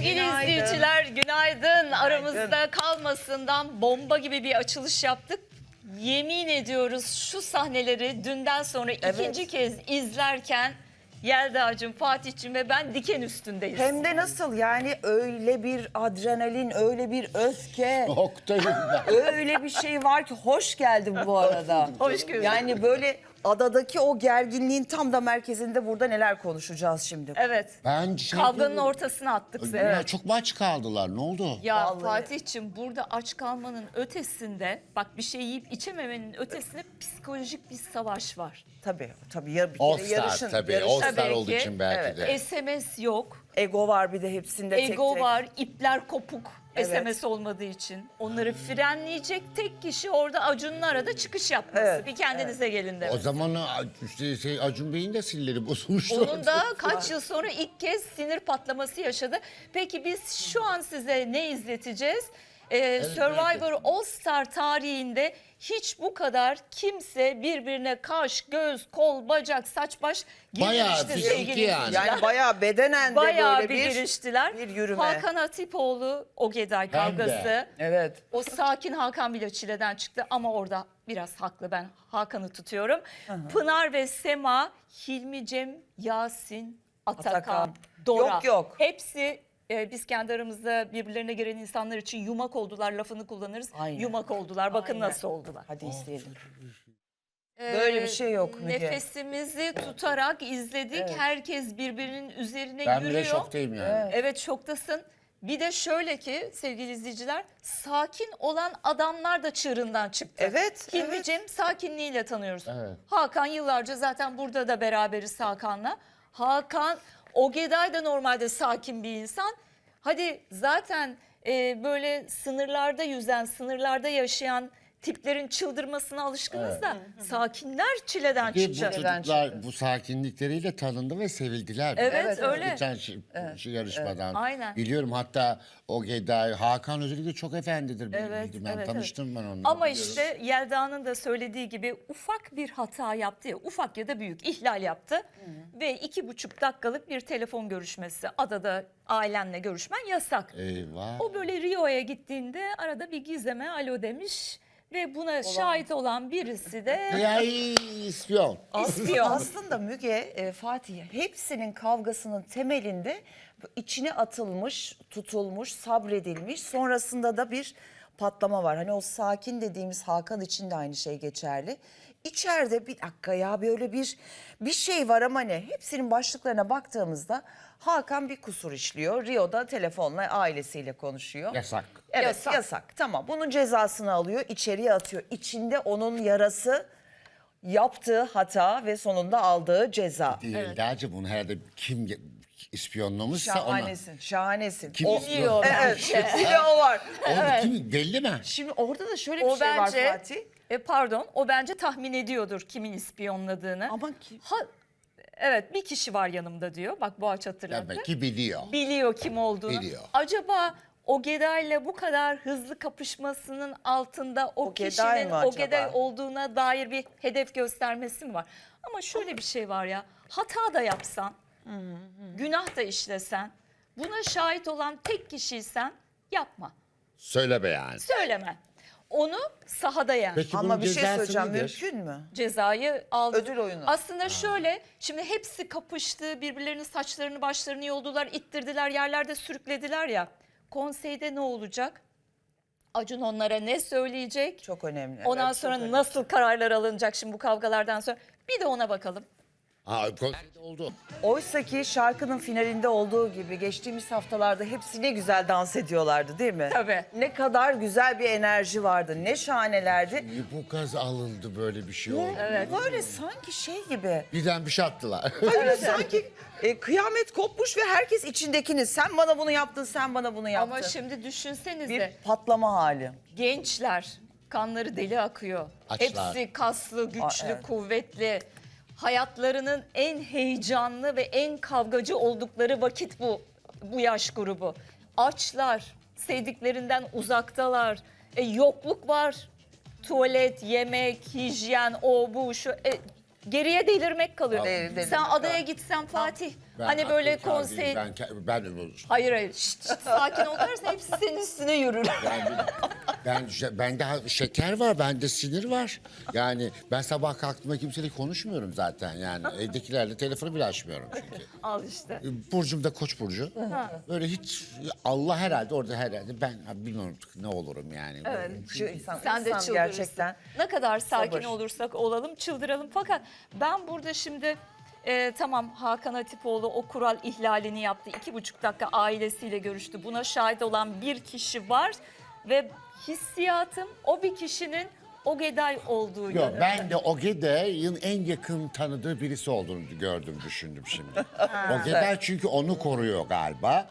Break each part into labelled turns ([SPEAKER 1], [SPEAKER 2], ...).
[SPEAKER 1] Sevgili
[SPEAKER 2] Günaydın.
[SPEAKER 1] izleyiciler günaydın. Aramızda kalmasından bomba gibi bir açılış yaptık. Yemin ediyoruz şu sahneleri dünden sonra ikinci kez izlerken Yelda'cığım, Fatih'cim ve ben diken üstündeyiz.
[SPEAKER 2] Hem de nasıl yani, öyle bir adrenalin, öyle bir öfke,
[SPEAKER 3] Oktay'ım ben.
[SPEAKER 2] öyle bir şey var ki hoş geldin bu arada.
[SPEAKER 1] Hoş gördük.
[SPEAKER 2] Yani böyle adadaki o gerginliğin tam da merkezinde burada neler konuşacağız şimdi.
[SPEAKER 1] Evet.
[SPEAKER 3] Ben
[SPEAKER 1] Kavganın ortasına attık seni.
[SPEAKER 3] Ya çok mu aç kaldılar? Ne oldu?
[SPEAKER 1] Ya
[SPEAKER 2] Vallahi.
[SPEAKER 1] Fatih'cim, burada aç kalmanın ötesinde, bak bir şey yiyip içememenin ötesinde psikolojik bir savaş var.
[SPEAKER 2] Tabii ya bir
[SPEAKER 3] All
[SPEAKER 2] kere
[SPEAKER 3] Star
[SPEAKER 2] yarışın.
[SPEAKER 3] tabii.
[SPEAKER 2] yarışın.
[SPEAKER 3] All Star
[SPEAKER 1] Tabii
[SPEAKER 3] olduğu
[SPEAKER 1] ki.
[SPEAKER 3] için belki de.
[SPEAKER 1] SMS yok.
[SPEAKER 2] Ego var bir de hepsinde tek
[SPEAKER 1] Ego
[SPEAKER 2] tek.
[SPEAKER 1] var, ipler kopuk.
[SPEAKER 2] Evet.
[SPEAKER 1] SMS olmadığı için. Onları frenleyecek tek kişi orada Acun'un arada çıkış yapması.
[SPEAKER 2] Evet,
[SPEAKER 1] Bir kendinize gelin
[SPEAKER 3] O
[SPEAKER 1] demesi.
[SPEAKER 3] zaman Acun Bey'in de silleri bozulmuştu.
[SPEAKER 1] Onun da kaç yıl sonra ilk kez sinir patlaması yaşadı. Peki biz şu an size ne izleteceğiz? Survivor All Star tarihinde hiç bu kadar kimse birbirine kaş, göz, kol, bacak, saç, baş
[SPEAKER 3] Bayağı
[SPEAKER 1] girmemiştir
[SPEAKER 3] fiziki
[SPEAKER 1] sevgili
[SPEAKER 3] yani.
[SPEAKER 1] izleyiciler.
[SPEAKER 2] Yani bayağı bedenen de
[SPEAKER 1] Bayağı
[SPEAKER 2] böyle
[SPEAKER 1] bir giriştiler.
[SPEAKER 2] bir yürüme.
[SPEAKER 1] Hakan Hatipoğlu Ogeday
[SPEAKER 3] Hem de.
[SPEAKER 1] kavgası.
[SPEAKER 2] Evet.
[SPEAKER 1] O sakin Hakan bile çileden çıktı ama orada biraz haklı, ben Hakan'ı tutuyorum. Pınar ve Sema, Hilmi, Cem, Yasin, Atakan,
[SPEAKER 2] Atakan.
[SPEAKER 1] Dora.
[SPEAKER 2] Yok.
[SPEAKER 1] Hepsi biz kendi aramızda birbirlerine giren insanlar için yumak oldular lafını kullanırız.
[SPEAKER 2] Aynen.
[SPEAKER 1] Yumak oldular. Bakın
[SPEAKER 2] Aynen.
[SPEAKER 1] nasıl oldular.
[SPEAKER 2] Hadi izleyelim. Böyle bir şey yok Müge.
[SPEAKER 1] Nefesimizi tutarak izledik.
[SPEAKER 2] Evet.
[SPEAKER 1] Herkes birbirinin üzerine
[SPEAKER 3] Ben
[SPEAKER 1] yürüyor.
[SPEAKER 3] bile şoktayım yani.
[SPEAKER 1] Evet, şoktasın. Bir de şöyle ki sevgili izleyiciler, sakin olan adamlar da çığırından çıktı.
[SPEAKER 2] Evet,
[SPEAKER 1] Hilmi
[SPEAKER 2] evet.
[SPEAKER 1] Cem sakinliğiyle tanıyoruz.
[SPEAKER 3] Evet.
[SPEAKER 1] Hakan yıllarca zaten burada da beraberiz Hakan'la. Hakan, Ogeday da normalde sakin bir insan. Hadi zaten böyle sınırlarda yüzen, sınırlarda yaşayan tiplerin çıldırmasına alışkınız da sakinler çileden
[SPEAKER 3] Ve bu
[SPEAKER 1] çıktı.
[SPEAKER 3] çocuklar bu sakinlikleriyle tanındı ve sevildiler.
[SPEAKER 1] Evet, öyle.
[SPEAKER 3] Geçen yarışmadan.
[SPEAKER 1] Aynen.
[SPEAKER 3] Biliyorum, hatta Ogeday, Hakan özellikle çok efendidir.
[SPEAKER 1] Evet,
[SPEAKER 3] Ben
[SPEAKER 1] evet,
[SPEAKER 3] tanıştım ben onunla.
[SPEAKER 1] Ama
[SPEAKER 3] biliyorum.
[SPEAKER 1] işte Yelda'nın da söylediği gibi ufak bir hata yaptı ya, ufak ya da büyük ihlal yaptı. Ve 2,5 dakikalık bir telefon görüşmesi, adada ailenle görüşmen yasak.
[SPEAKER 3] Eyvah.
[SPEAKER 1] O böyle Rio'ya gittiğinde arada bir Gizem'e alo demiş ve buna şahit olan birisi de
[SPEAKER 3] Ya ispiyon.
[SPEAKER 1] ispiyon.
[SPEAKER 2] Aslında Müge, Fatih, hepsinin kavgasının temelinde içine atılmış, tutulmuş, sabredilmiş, sonrasında da bir patlama var. Hani o sakin dediğimiz Hakan için de aynı şey geçerli. İçeride bir dakika ya, böyle bir şey var ama ne? Hepsinin başlıklarına baktığımızda Hakan bir kusur işliyor. Rio'da telefonla ailesiyle konuşuyor.
[SPEAKER 3] Yasak.
[SPEAKER 2] Evet, yasak. Tamam, bunun cezasını alıyor, içeriye atıyor. İçinde onun yarası, yaptığı hata ve sonunda aldığı ceza.
[SPEAKER 3] Değil. Dağcı bunu herhalde kim ispiyonlamışsa ona.
[SPEAKER 2] Şahanesin, şahanesin.
[SPEAKER 3] Kim
[SPEAKER 2] O,
[SPEAKER 1] Biliyor
[SPEAKER 2] evet,
[SPEAKER 1] bence.
[SPEAKER 2] bir de o var.
[SPEAKER 3] Orada kim belli mi?
[SPEAKER 2] Şimdi orada da şöyle bir
[SPEAKER 1] O
[SPEAKER 2] şey
[SPEAKER 1] bence,
[SPEAKER 2] var Fatih.
[SPEAKER 1] pardon, o bence tahmin ediyordur kimin ispiyonladığını.
[SPEAKER 2] Ama ki
[SPEAKER 1] Evet, bir kişi var yanımda diyor. Bak, Boğaç hatırladı.
[SPEAKER 3] Demek ki biliyor.
[SPEAKER 1] Biliyor kim olduğunu.
[SPEAKER 3] Biliyor.
[SPEAKER 1] Acaba Ogeday'la bu kadar hızlı kapışmasının altında o
[SPEAKER 2] Ogeday
[SPEAKER 1] kişinin
[SPEAKER 2] mı acaba?
[SPEAKER 1] Ogeday olduğuna dair bir hedef göstermesi mi var? Ama şöyle bir şey var ya, hata da yapsan, günah da işlesen, buna şahit olan tek kişiysen yapma,
[SPEAKER 3] Söyle be yani.
[SPEAKER 1] söyleme. Onu sahada yen.
[SPEAKER 3] Peki
[SPEAKER 2] ama
[SPEAKER 3] bunun
[SPEAKER 2] bir şey
[SPEAKER 3] cezası
[SPEAKER 2] söyleyeceğim,
[SPEAKER 3] nedir?
[SPEAKER 2] mümkün mü?
[SPEAKER 1] Cezayı aldı.
[SPEAKER 2] Ödül oyunu.
[SPEAKER 1] Aslında şöyle, şimdi hepsi kapıştı, birbirlerinin saçlarını başlarını yoldular, ittirdiler, yerlerde sürüklediler ya. Konseyde ne olacak? Acun onlara ne söyleyecek?
[SPEAKER 2] Çok önemli.
[SPEAKER 1] Ondan
[SPEAKER 2] evet, çok
[SPEAKER 1] sonra
[SPEAKER 2] önemli.
[SPEAKER 1] nasıl kararlar alınacak şimdi bu kavgalardan sonra? Bir de ona bakalım.
[SPEAKER 3] Konserde oldu.
[SPEAKER 2] Oysa ki şarkının finalinde olduğu gibi geçtiğimiz haftalarda hepsi ne güzel dans ediyorlardı değil mi?
[SPEAKER 1] Tabii.
[SPEAKER 2] Ne kadar güzel bir enerji vardı, ne şahanelerdi.
[SPEAKER 3] Bu gaz alındı, böyle bir şey oldu.
[SPEAKER 2] Böyle sanki şey gibi.
[SPEAKER 3] Birden bir şey attılar.
[SPEAKER 2] Öyle sanki kıyamet kopmuş ve herkes içindekini. Sen bana bunu yaptın, sen bana bunu yaptın.
[SPEAKER 1] Ama şimdi düşünsenize,
[SPEAKER 2] bir patlama hali.
[SPEAKER 1] gençler, kanları deli akıyor.
[SPEAKER 3] Açlar.
[SPEAKER 1] Hepsi kaslı, güçlü,
[SPEAKER 2] evet.
[SPEAKER 1] kuvvetli. Hayatlarının en heyecanlı ve en kavgacı oldukları vakit bu yaş grubu. Açlar, sevdiklerinden uzaktalar. Yokluk var. Tuvalet, yemek, hijyen, o bu şu. Geriye delirmek kalıyor.
[SPEAKER 2] Delirmek
[SPEAKER 1] Sen adaya
[SPEAKER 2] kalıyor.
[SPEAKER 1] gitsen Fatih, Hani böyle
[SPEAKER 3] akıl kâr değilim.
[SPEAKER 1] konsey...
[SPEAKER 3] Ben
[SPEAKER 1] Hayır. Şşt, sakin ol dersen hepsi senin üstüne yürür.
[SPEAKER 3] bende şeker var, bende sinir var. Yani ben sabah kalktığımda kimseyle konuşmuyorum zaten yani. Evdekilerle telefonu bile açmıyorum çünkü.
[SPEAKER 1] Al işte.
[SPEAKER 3] Burcum da Koç burcu. Böyle hiç Allah herhalde orada herhalde ben bilmiyorum ne olurum yani.
[SPEAKER 1] Evet.
[SPEAKER 2] Şu insan,
[SPEAKER 1] Sen de
[SPEAKER 2] insan
[SPEAKER 1] çıldırırsın.
[SPEAKER 2] gerçekten.
[SPEAKER 1] Ne kadar sakin
[SPEAKER 2] sabır.
[SPEAKER 1] olursak olalım çıldıralım. Fakat ben burada şimdi tamam Hakan Atipoğlu o kural ihlalini yaptı. 2,5 dakika ailesiyle görüştü. Buna şahit olan bir kişi var ve hissiyatım o bir kişinin Ogeday olduğu
[SPEAKER 3] Yok
[SPEAKER 1] yönünde.
[SPEAKER 3] ben de Ogeday'ın en yakın tanıdığı birisi olduğunu düşündüm şimdi. Ogeday çünkü onu koruyor galiba.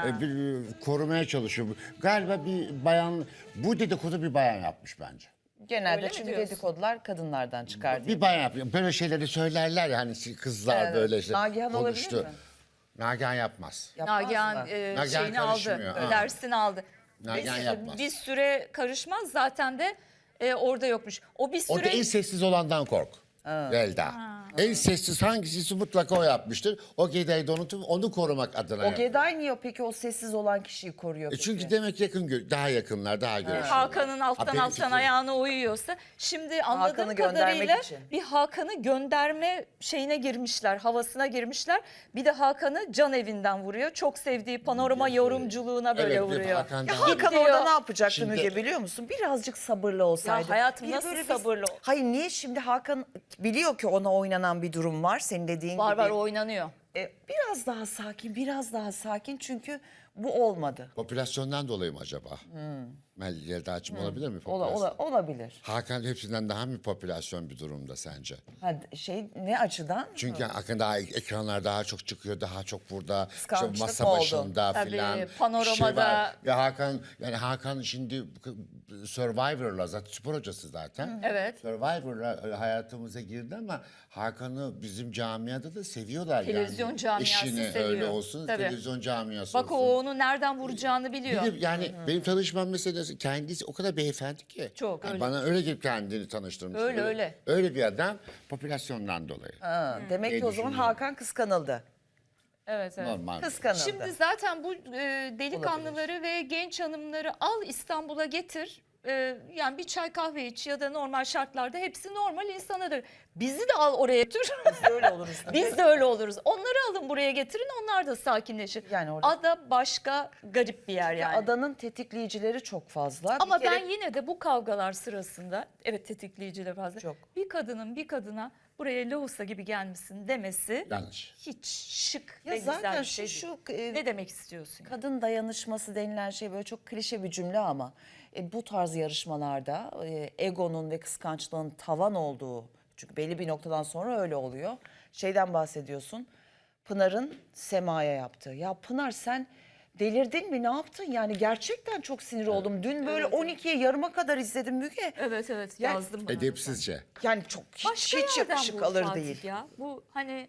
[SPEAKER 3] Korumaya çalışıyor. Galiba bir bayan, bu dedikodu bir bayan yapmış bence.
[SPEAKER 2] Genelde
[SPEAKER 1] Öyle mi
[SPEAKER 2] çünkü
[SPEAKER 1] diyorsun?
[SPEAKER 2] dedikodular kadınlardan çıkar diye.
[SPEAKER 3] Bir bayan yapıyor. Böyle şeyleri söylerler ya hani kızlar
[SPEAKER 2] Evet.
[SPEAKER 3] böyle işte
[SPEAKER 2] Nagihan olabilir
[SPEAKER 3] konuştu.
[SPEAKER 2] mi?
[SPEAKER 3] Nagihan yapmaz.
[SPEAKER 2] Yapmaz
[SPEAKER 1] Nagihan
[SPEAKER 2] mı?
[SPEAKER 3] Nagihan
[SPEAKER 1] şeyini aldı,
[SPEAKER 3] karışmıyor, ha.
[SPEAKER 1] dersini aldı.
[SPEAKER 3] Nagihan yapmaz.
[SPEAKER 1] Bir süre karışmaz zaten de orada yokmuş. O bir
[SPEAKER 3] Orada
[SPEAKER 1] süre
[SPEAKER 3] en sessiz olandan kork. Velda. En sessiz hangisi mutlaka o yapmıştır. O Geday'ı da unutup onu korumak adına.
[SPEAKER 2] O Geday niye peki o sessiz olan kişiyi koruyor peki?
[SPEAKER 3] Çünkü demek daha yakınlar, daha görüşüyorlar.
[SPEAKER 1] Hakan'ın alttan
[SPEAKER 3] benim
[SPEAKER 1] alttan
[SPEAKER 3] fikrim.
[SPEAKER 1] ayağına uyuyorsa şimdi anladığım
[SPEAKER 2] Hakan'ı göndermek
[SPEAKER 1] kadarıyla
[SPEAKER 2] için.
[SPEAKER 1] bir Hakan'ı gönderme şeyine girmişler, havasına girmişler. Bir de Hakan'ı can evinden vuruyor. Çok sevdiği panorama yorumculuğuna böyle
[SPEAKER 3] Evet, bir
[SPEAKER 1] vuruyor.
[SPEAKER 3] Hakan
[SPEAKER 2] Ya
[SPEAKER 3] daha-
[SPEAKER 2] Hakan
[SPEAKER 1] Gidiyor.
[SPEAKER 2] orada ne yapacaktı
[SPEAKER 3] Şimdi-
[SPEAKER 2] Müge biliyor musun? Birazcık sabırlı olsaydı.
[SPEAKER 1] Ya hayatım
[SPEAKER 2] Bir de
[SPEAKER 1] nasıl
[SPEAKER 2] böyle
[SPEAKER 1] sabırlı ol-
[SPEAKER 2] Hayır niye şimdi Hakan biliyor ki ona oynanan bir durum var senin dediğin
[SPEAKER 1] Var
[SPEAKER 2] gibi.
[SPEAKER 1] var oynanıyor.
[SPEAKER 2] Biraz daha sakin, biraz daha sakin çünkü bu olmadı.
[SPEAKER 3] Popülasyondan dolayı mı acaba? Yelda'cığım olabilir mi popülasyon?
[SPEAKER 2] Olabilir.
[SPEAKER 3] Hakan hepsinden daha mı popülasyon bir durumda sence?
[SPEAKER 2] Ha, ne açıdan?
[SPEAKER 3] Çünkü Hakan daha ekranlar daha çok çıkıyor, daha çok burada
[SPEAKER 2] Kıskançlık
[SPEAKER 3] masa
[SPEAKER 2] mı oldu?
[SPEAKER 3] başında
[SPEAKER 1] Tabii,
[SPEAKER 3] filan.
[SPEAKER 1] panoramada-
[SPEAKER 3] şey var. Ya Hakan şimdi Survivor'la zaten spor hocası zaten.
[SPEAKER 1] Evet.
[SPEAKER 3] Survivor'la hayatımıza girdi ama Hakan'ı bizim camiada da seviyorlar
[SPEAKER 1] Televizyon
[SPEAKER 3] yani.
[SPEAKER 1] camiası
[SPEAKER 3] İşini
[SPEAKER 1] seviyor.
[SPEAKER 3] öyle olsun,
[SPEAKER 1] Tabii.
[SPEAKER 3] televizyon camiası
[SPEAKER 1] Bak
[SPEAKER 3] olsun.
[SPEAKER 1] o onu nereden vuracağını biliyor.
[SPEAKER 3] Bir de yani benim tanışmam meselesi kendisi o kadar beyefendi ki.
[SPEAKER 1] Çok,
[SPEAKER 3] Yani
[SPEAKER 1] öyle.
[SPEAKER 3] bana öyle gibi kendini tanıştırmış.
[SPEAKER 1] Öyle.
[SPEAKER 3] Öyle bir adam popülasyondan dolayı.
[SPEAKER 2] Ha, demek
[SPEAKER 3] Ne
[SPEAKER 2] ki o zaman
[SPEAKER 3] düşünüyorum?
[SPEAKER 2] Hakan kıskanıldı.
[SPEAKER 1] Evet.
[SPEAKER 3] Normal.
[SPEAKER 2] Kıskanıldı.
[SPEAKER 1] Şimdi zaten bu delikanlıları ve genç hanımları al İstanbul'a getir. Yani bir çay kahve iç ya da normal şartlarda hepsi normal insanıdır. Bizi de al oraya götür.
[SPEAKER 2] Biz de öyle oluruz.
[SPEAKER 1] Biz de öyle oluruz. Onları alın buraya getirin onlar da sakinleşir.
[SPEAKER 2] Yani orada-
[SPEAKER 1] Ada başka garip bir yer yani.
[SPEAKER 2] Adanın tetikleyicileri çok fazla.
[SPEAKER 1] Ama
[SPEAKER 2] Bir kere-
[SPEAKER 1] ben yine de bu kavgalar sırasında evet tetikleyici fazla.
[SPEAKER 2] Çok.
[SPEAKER 1] Bir kadının bir kadına buraya lohusa gibi gelmişsin demesi
[SPEAKER 3] Yanlış.
[SPEAKER 1] hiç şık
[SPEAKER 2] Ya
[SPEAKER 1] ve güzel
[SPEAKER 2] zaten
[SPEAKER 1] bir şey
[SPEAKER 2] şu
[SPEAKER 1] değil. Ne demek istiyorsun?
[SPEAKER 2] kadın dayanışması denilen şey böyle çok klişe bir cümle ama bu tarz yarışmalarda egonun ve kıskançlığın tavan olduğu, çünkü belli bir noktadan sonra öyle oluyor. Şeyden bahsediyorsun. Pınar'ın Sema'ya yaptığı. Ya Pınar sen delirdin mi? Ne yaptın? Yani gerçekten çok sinir oldum. Dün böyle 12'ye yarıma kadar izledim Müge.
[SPEAKER 1] Evet evet
[SPEAKER 2] Ya-
[SPEAKER 1] yazdım bana.
[SPEAKER 3] Edepsizce.
[SPEAKER 2] Yani çok
[SPEAKER 1] Başka
[SPEAKER 2] hiç
[SPEAKER 1] yerden
[SPEAKER 2] yakışık
[SPEAKER 1] bu
[SPEAKER 2] alır
[SPEAKER 1] Fatih
[SPEAKER 2] değil.
[SPEAKER 1] ya. Bu hani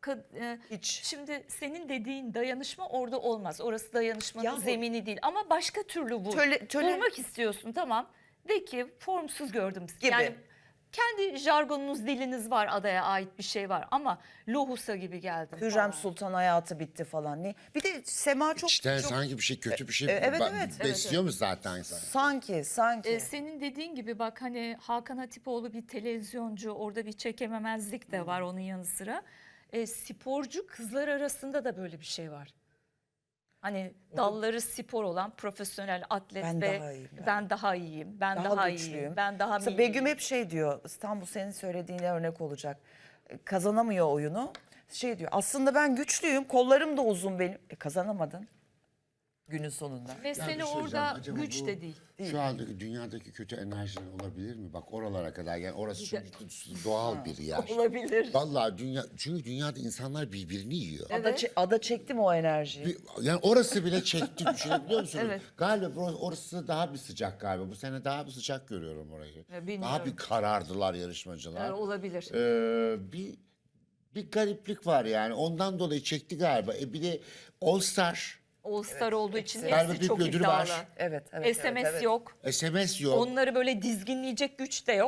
[SPEAKER 2] Hiç.
[SPEAKER 1] şimdi senin dediğin dayanışma orada olmaz. Orası dayanışmanın
[SPEAKER 2] Ya bu-
[SPEAKER 1] zemini değil ama başka türlü bu.
[SPEAKER 2] Töle-
[SPEAKER 1] Bulmak istiyorsun tamam. De ki formsuz gördüm.
[SPEAKER 2] Gibi.
[SPEAKER 1] Yani kendi jargonunuz, diliniz var, adaya ait bir şey var ama lohusa gibi geldim.
[SPEAKER 2] Hürrem
[SPEAKER 1] falan.
[SPEAKER 2] Sultan hayatı bitti falan. Ne? Bir de Sema çok,
[SPEAKER 3] İşte
[SPEAKER 2] çok
[SPEAKER 3] sanki bir şey kötü bir şey
[SPEAKER 2] evet, evet.
[SPEAKER 3] besliyor mu zaten insan?
[SPEAKER 2] sanki.
[SPEAKER 1] Senin dediğin gibi bak hani Hakan Hatipoğlu bir televizyoncu, orada bir çekememezlik de var onun yanı sıra. Sporcu kızlar arasında da böyle bir şey var. Hani dalları spor olan profesyonel atlet
[SPEAKER 2] Ben
[SPEAKER 1] ve
[SPEAKER 2] daha iyiyim,
[SPEAKER 1] ben daha iyiyim, ben
[SPEAKER 2] Daha
[SPEAKER 1] daha
[SPEAKER 2] güçlüyüm.
[SPEAKER 1] iyiyim, ben daha
[SPEAKER 2] Mesela
[SPEAKER 1] milliyim.
[SPEAKER 2] Begüm hep şey diyor, İstanbul senin söylediğine örnek olacak. Kazanamıyor oyunu. Şey diyor, aslında ben güçlüyüm, kollarım da uzun benim. Kazanamadın günün sonunda.
[SPEAKER 1] Mesele
[SPEAKER 3] Ya bir şey
[SPEAKER 1] orada
[SPEAKER 3] söyleyeceğim, acaba
[SPEAKER 1] güç
[SPEAKER 3] bu
[SPEAKER 1] de değil.
[SPEAKER 3] Şu andaki dünyadaki kötü enerjiler olabilir mi? Bak oralara kadar yani orası çünkü doğal bir yer.
[SPEAKER 1] Olabilir.
[SPEAKER 3] Vallahi çünkü dünyada insanlar birbirini yiyor.
[SPEAKER 1] Evet.
[SPEAKER 2] Ada çekti mi o enerjiyi?
[SPEAKER 3] Yani orası bile çekti düşünebiliyor musunuz?
[SPEAKER 1] Evet.
[SPEAKER 3] Galiba orası daha bir sıcak galiba. Bu sene daha bir sıcak görüyorum orayı.
[SPEAKER 1] bilmiyorum.
[SPEAKER 3] Daha bir karardılar yarışmacılar.
[SPEAKER 1] Olabilir.
[SPEAKER 3] Bir gariplik var yani. Ondan dolayı çekti galiba. Bir de All Star.
[SPEAKER 1] All Star olduğu için
[SPEAKER 3] Galiba
[SPEAKER 1] hepsi
[SPEAKER 3] büyük
[SPEAKER 1] çok
[SPEAKER 3] bir ödülü
[SPEAKER 1] iddialı.
[SPEAKER 3] var.
[SPEAKER 2] Evet.
[SPEAKER 1] SMS
[SPEAKER 2] evet.
[SPEAKER 1] yok.
[SPEAKER 3] SMS yok.
[SPEAKER 1] Onları böyle dizginleyecek güç de yok.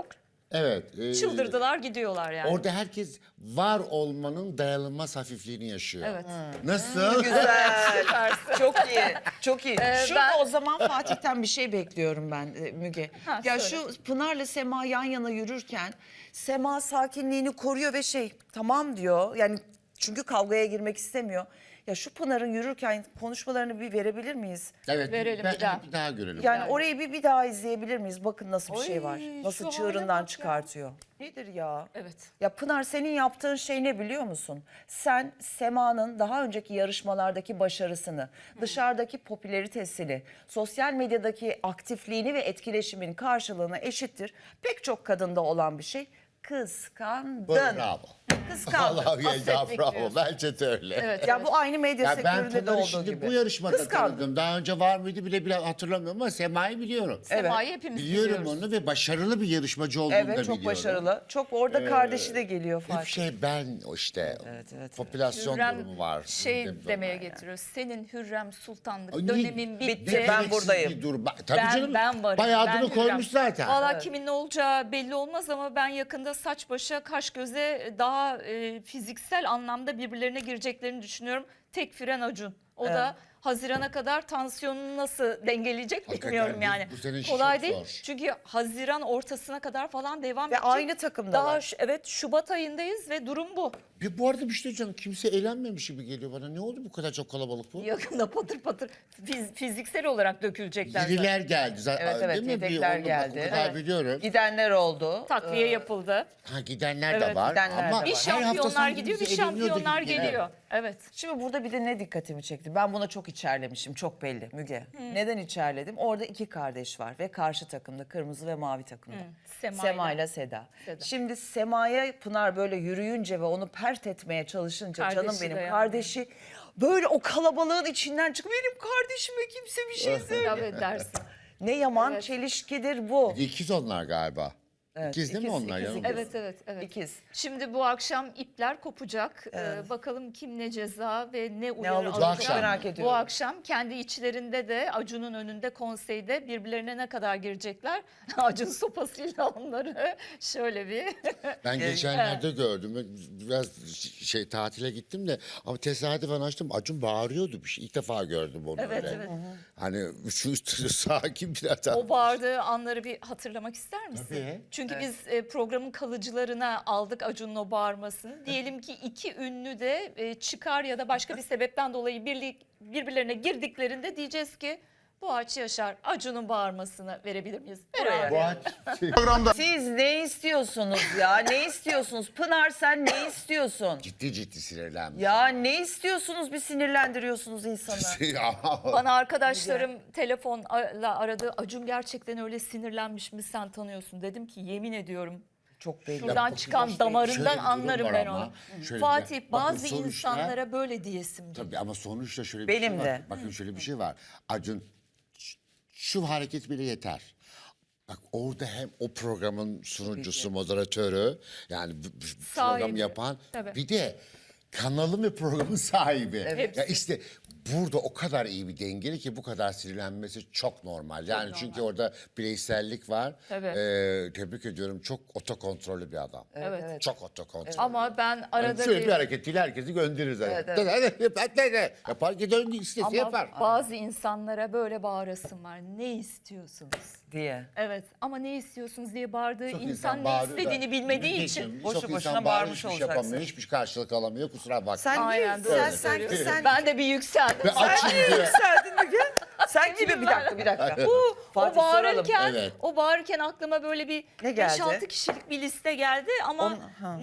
[SPEAKER 3] Evet.
[SPEAKER 1] Çıldırdılar gidiyorlar yani.
[SPEAKER 3] Orada herkes var olmanın dayanılmaz hafifliğini yaşıyor.
[SPEAKER 1] Evet.
[SPEAKER 3] Nasıl?
[SPEAKER 2] Güzel. Çok iyi. Çok iyi. Şurada
[SPEAKER 1] ben-
[SPEAKER 2] o zaman Fatih'ten bir şey bekliyorum ben Müge.
[SPEAKER 1] Ha,
[SPEAKER 2] Ya
[SPEAKER 1] söyle.
[SPEAKER 2] şu Pınar'la Sema yan yana yürürken Sema sakinliğini koruyor ve tamam diyor. Yani çünkü kavgaya girmek istemiyor. Ya şu Pınar'ın yürürken konuşmalarını bir verebilir miyiz?
[SPEAKER 3] Evet.
[SPEAKER 1] Verelim
[SPEAKER 3] ben,
[SPEAKER 1] bir daha.
[SPEAKER 3] bir daha görelim.
[SPEAKER 2] Yani orayı bir daha izleyebilir miyiz? Bakın nasıl bir şey var.
[SPEAKER 1] Oy,
[SPEAKER 2] Nasıl
[SPEAKER 1] şu hale
[SPEAKER 2] çığırından
[SPEAKER 1] bak ya.
[SPEAKER 2] çıkartıyor. Nedir ya?
[SPEAKER 1] Evet.
[SPEAKER 2] Ya Pınar senin yaptığın şey ne biliyor musun? Sen Sema'nın daha önceki yarışmalardaki başarısını, dışarıdaki popülaritesini, sosyal medyadaki aktifliğini ve etkileşimin karşılığına eşittir. Pek çok kadında olan bir şey. Kıskandın.
[SPEAKER 3] Bravo.
[SPEAKER 2] Kıskandın.
[SPEAKER 3] Vallahi ya
[SPEAKER 1] Hasretlik
[SPEAKER 3] bravo.
[SPEAKER 1] diyorsun.
[SPEAKER 3] Bence de öyle.
[SPEAKER 1] Evet.
[SPEAKER 2] Ya bu aynı medya
[SPEAKER 3] Ya ben
[SPEAKER 2] sektöründe de
[SPEAKER 3] Pınar'ı
[SPEAKER 2] olduğu
[SPEAKER 3] şimdi
[SPEAKER 2] gibi.
[SPEAKER 3] bu yarışmada
[SPEAKER 2] Kıskandın.
[SPEAKER 3] tanıdım. Daha önce var mıydı bile hatırlamıyorum ama Sema'yı biliyorum.
[SPEAKER 1] Sema'yı hepimiz
[SPEAKER 3] Biliyorum
[SPEAKER 1] biliyoruz.
[SPEAKER 3] onu ve başarılı bir yarışmacı olduğunu da
[SPEAKER 2] Evet çok
[SPEAKER 3] biliyorum.
[SPEAKER 2] başarılı. Çok orada kardeşi de geliyor
[SPEAKER 3] Hep
[SPEAKER 2] Fatih.
[SPEAKER 3] ben o işte
[SPEAKER 2] evet.
[SPEAKER 3] popülasyon
[SPEAKER 1] Hürrem
[SPEAKER 3] durumu var.
[SPEAKER 1] şey
[SPEAKER 3] Bizim de
[SPEAKER 1] demeye
[SPEAKER 3] var yani.
[SPEAKER 1] getiriyor. Senin Hürrem Sultanlık
[SPEAKER 3] Ay,
[SPEAKER 1] dönemin
[SPEAKER 3] ne-
[SPEAKER 1] bitti.
[SPEAKER 3] ne
[SPEAKER 2] Ben
[SPEAKER 3] gereksiz
[SPEAKER 2] buradayım.
[SPEAKER 3] bir durum. Tabii canım.
[SPEAKER 1] Ben varım.
[SPEAKER 3] Bayağı
[SPEAKER 1] ben
[SPEAKER 3] adını
[SPEAKER 1] Hürrem.
[SPEAKER 3] koymuş zaten.
[SPEAKER 1] Valla kimin ne olacağı belli olmaz ama ben yakında saç başa kaş göze daha fiziksel anlamda birbirlerine gireceklerini düşünüyorum. Tek fren Acun. O da Haziran'a kadar tansiyonunu nasıl dengeleyecek
[SPEAKER 3] Hakikaten
[SPEAKER 1] bilmiyorum yani.
[SPEAKER 3] bu sene
[SPEAKER 1] Kolay
[SPEAKER 3] çok
[SPEAKER 1] değil.
[SPEAKER 3] zor.
[SPEAKER 1] Çünkü Haziran ortasına kadar falan devam
[SPEAKER 2] Ve
[SPEAKER 1] edecek.
[SPEAKER 2] aynı takımdalar.
[SPEAKER 1] Daha evet Şubat ayındayız ve durum bu.
[SPEAKER 3] Bu arada bir şey diyeceğim. Kimse eğlenmemiş gibi geliyor bana. Ne oldu bu kadar çok kalabalık bu?
[SPEAKER 1] Yakında patır patır fiziksel olarak dökülecekler zaten.
[SPEAKER 3] Yeniler geldi zaten.
[SPEAKER 2] Evet
[SPEAKER 3] Değil mi?
[SPEAKER 2] yedekler
[SPEAKER 3] Onu bak,
[SPEAKER 2] geldi.
[SPEAKER 3] O kadar
[SPEAKER 1] Evet.
[SPEAKER 3] biliyorum.
[SPEAKER 2] Gidenler oldu.
[SPEAKER 1] Takviye yapıldı.
[SPEAKER 3] Ha, gidenler de
[SPEAKER 1] Evet,
[SPEAKER 3] var.
[SPEAKER 2] gidenler
[SPEAKER 3] Ama
[SPEAKER 2] de
[SPEAKER 1] Bir
[SPEAKER 2] var.
[SPEAKER 3] her hafta
[SPEAKER 1] şampiyonlar
[SPEAKER 3] sanki
[SPEAKER 1] gidiyor, bir
[SPEAKER 3] bizi eğleniyordu
[SPEAKER 1] şampiyonlar
[SPEAKER 3] gibi.
[SPEAKER 1] geliyor. Evet.
[SPEAKER 2] Şimdi burada bir de ne dikkatimi çekti? Ben buna çok içerlemişim, çok belli Müge. Neden içerledim? Orada iki kardeş var ve karşı takımda, kırmızı ve mavi takımda. Sema ile Seda.
[SPEAKER 1] Seda.
[SPEAKER 2] Şimdi Sema'ya Pınar böyle yürüyünce ve onu pert etmeye çalışınca
[SPEAKER 1] Kardeşi
[SPEAKER 2] canım benim
[SPEAKER 1] de yani.
[SPEAKER 2] kardeşi böyle o kalabalığın içinden çıkıp benim kardeşime kimse bir şey söyle.
[SPEAKER 1] Tabii dersin.
[SPEAKER 2] Ne yaman
[SPEAKER 1] Evet.
[SPEAKER 2] çelişkidir bu.
[SPEAKER 3] İkiz onlar galiba.
[SPEAKER 2] Evet,
[SPEAKER 3] İkiz değil mi
[SPEAKER 2] ikiz,
[SPEAKER 3] onlar?
[SPEAKER 2] ikiz,
[SPEAKER 3] yanılmıyorsam?
[SPEAKER 2] ikiz.
[SPEAKER 1] Evet.
[SPEAKER 2] İkiz.
[SPEAKER 1] Şimdi bu akşam ipler kopacak. Bakalım kim ne ceza ve ne uyarı
[SPEAKER 2] olacak?
[SPEAKER 1] alacak.
[SPEAKER 3] Bu akşam mı?
[SPEAKER 2] Merak ediyorum.
[SPEAKER 1] Bu akşam kendi içlerinde de Acun'un önünde konseyde birbirlerine ne kadar girecekler? Acun sopasıyla onları şöyle bir...
[SPEAKER 3] Ben geçenlerde gördüm. Biraz tatile gittim de ama tesadüfen açtım. Acun bağırıyordu bir şey. İlk defa gördüm onu
[SPEAKER 1] Evet,
[SPEAKER 3] öyle.
[SPEAKER 1] evet.
[SPEAKER 3] Hani şu sakin bir adam.
[SPEAKER 1] O bağırdığı anları bir hatırlamak ister misin?
[SPEAKER 3] Tabii.
[SPEAKER 1] Çünkü biz programın kalıcılarına aldık Acun'un o bağırmasını. Diyelim ki iki ünlü de çıkar ya da başka bir sebepten dolayı birbirlerine girdiklerinde diyeceğiz ki Boğaç Yaşar Acun'un bağırmasını verebilir miyiz? Verelim.
[SPEAKER 3] Boğaç
[SPEAKER 2] Siz ne istiyorsunuz ya? Ne istiyorsunuz? Pınar sen ne istiyorsun?
[SPEAKER 3] ciddi sinirlenmiş.
[SPEAKER 2] Ya ne istiyorsunuz bir sinirlendiriyorsunuz insanı.
[SPEAKER 1] Bana arkadaşlarım telefonla aradı. Acun gerçekten öyle sinirlenmiş mi sen tanıyorsun? Dedim ki yemin ediyorum.
[SPEAKER 2] Çok belli.
[SPEAKER 1] Şuradan çıkan
[SPEAKER 3] Şöyle
[SPEAKER 1] damarından
[SPEAKER 3] bir durum
[SPEAKER 1] anlarım
[SPEAKER 3] var
[SPEAKER 1] ben
[SPEAKER 3] ama.
[SPEAKER 1] onu.
[SPEAKER 3] Şöyle
[SPEAKER 1] Fatih
[SPEAKER 3] bir- bakın
[SPEAKER 1] bazı
[SPEAKER 3] sonuçta-
[SPEAKER 1] insanlara böyle diyesim geliyor.
[SPEAKER 3] Tabii ama sonuçta şöyle bir
[SPEAKER 2] Benim
[SPEAKER 3] şey var.
[SPEAKER 2] de.
[SPEAKER 3] Bakın şöyle bir şey var. Acun şu hareket bile yeter. Bak orada hem o programın sunucusu, moderatörü yani program
[SPEAKER 1] Sahibi.
[SPEAKER 3] yapan
[SPEAKER 1] Tabii.
[SPEAKER 3] bir de kanalın ve programın sahibi.
[SPEAKER 1] Hepsi.
[SPEAKER 3] Ya işte burada o kadar iyi bir dengeli ki bu kadar sinirlenmesi çok normal. Yani çünkü orada bireysellik var.
[SPEAKER 1] Tabii.
[SPEAKER 3] Tebrik ediyorum. Çok otokontrollü bir adam.
[SPEAKER 1] Evet.
[SPEAKER 3] Çok otokontrollü.
[SPEAKER 1] Ama ben arada
[SPEAKER 3] Şöyle
[SPEAKER 1] bir...
[SPEAKER 3] bir hareketiyle herkesi gönderir zaten. Yapar ki döndü istese
[SPEAKER 1] Ama
[SPEAKER 3] yapar.
[SPEAKER 1] bazı insanlara böyle bağırasım var. Ne istiyorsunuz?
[SPEAKER 2] Diye.
[SPEAKER 1] Evet ama ne istiyorsunuz diye bağırdığı
[SPEAKER 3] Çok
[SPEAKER 1] insan ne
[SPEAKER 3] bağırıyor da
[SPEAKER 1] istediğini bilmediği
[SPEAKER 3] bilmiyorsun.
[SPEAKER 1] için.
[SPEAKER 2] Boşu
[SPEAKER 3] Çok
[SPEAKER 2] boşuna
[SPEAKER 3] insan
[SPEAKER 2] bağırmış
[SPEAKER 3] hiçbir şey
[SPEAKER 2] olacaksın.
[SPEAKER 3] yapamıyor, hiçbir karşılık alamıyor kusura bakma.
[SPEAKER 2] Sen
[SPEAKER 1] Aynen doğru
[SPEAKER 2] sen,
[SPEAKER 1] söylüyorsun.
[SPEAKER 2] sen
[SPEAKER 1] Ben de bir yükseldim.
[SPEAKER 3] Ve açım diye.
[SPEAKER 2] yükseldin Müge. Sen kime bir dakika.
[SPEAKER 1] O
[SPEAKER 2] Fatih, soralım.
[SPEAKER 1] bağırırken,
[SPEAKER 3] Evet.
[SPEAKER 1] o bağırırken aklıma böyle bir
[SPEAKER 2] Ne geldi?
[SPEAKER 1] 5-6 kişilik bir liste geldi ama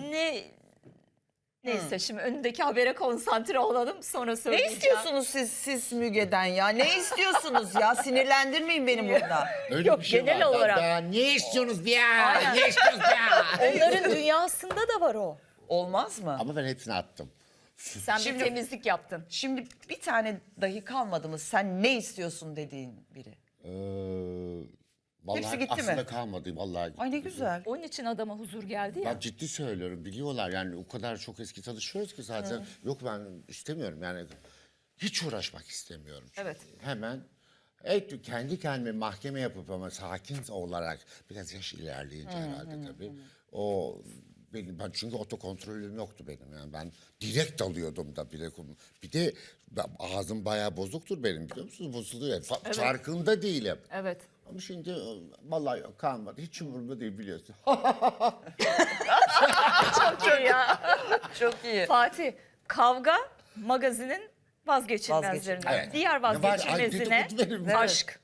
[SPEAKER 1] neyse şimdi önündeki habere konsantre olalım sonra
[SPEAKER 2] Ne
[SPEAKER 1] söyleyeceğim.
[SPEAKER 2] istiyorsunuz siz Müge'den ya? Ne istiyorsunuz ya? Sinirlendirmeyin beni burada.
[SPEAKER 3] Öyle
[SPEAKER 1] Yok,
[SPEAKER 3] bir şey
[SPEAKER 1] genel
[SPEAKER 3] var.
[SPEAKER 1] olarak.
[SPEAKER 3] Daha ne istiyorsunuz bir ya?
[SPEAKER 1] Aynen.
[SPEAKER 3] Ne istiyorsunuz ya?
[SPEAKER 1] Onların dünyasında da var o.
[SPEAKER 2] Olmaz mı?
[SPEAKER 3] Ama ben hepsini attım.
[SPEAKER 1] Sen
[SPEAKER 2] Şimdi-
[SPEAKER 1] bir temizlik yaptın.
[SPEAKER 2] Şimdi bir tane dahi kalmadı mı sen ne istiyorsun dediğin biri?
[SPEAKER 3] Vallahi
[SPEAKER 2] Hepsi gitti
[SPEAKER 3] aslında
[SPEAKER 2] mi?
[SPEAKER 3] kalmadı. Vallahi gitti.
[SPEAKER 2] Ay ne güzel.
[SPEAKER 1] Onun için adama huzur geldi ya.
[SPEAKER 3] Bak ciddi söylüyorum biliyorlar yani o kadar çok eski tanışıyoruz ki zaten. Yok ben istemiyorum yani hiç uğraşmak istemiyorum. Çünkü.
[SPEAKER 1] Evet.
[SPEAKER 3] Hemen Kendi kendime mahkeme yapıp ama sakin olarak biraz yaş ilerleyince herhalde tabii. Ben çünkü otokontrolüm yoktu benim, yani ben direkt alıyordum da bile. Bir de ağzım bayağı bozuktur benim, biliyor musunuz? Bozuluyor. Farkında değilim.
[SPEAKER 1] Evet.
[SPEAKER 3] Ama şimdi vallahi yok, kalmadı. Hiç umurumda değil, biliyorsun.
[SPEAKER 1] Çok iyi ya.
[SPEAKER 2] Çok iyi.
[SPEAKER 1] Fatih, kavga magazinin vazgeçilmezlerinden.
[SPEAKER 2] Vazgeçilmez.
[SPEAKER 3] Evet.
[SPEAKER 1] Diğer
[SPEAKER 3] Ne var? Ay,
[SPEAKER 1] vazgeçilmezine
[SPEAKER 3] dedikodu benim.
[SPEAKER 1] aşk.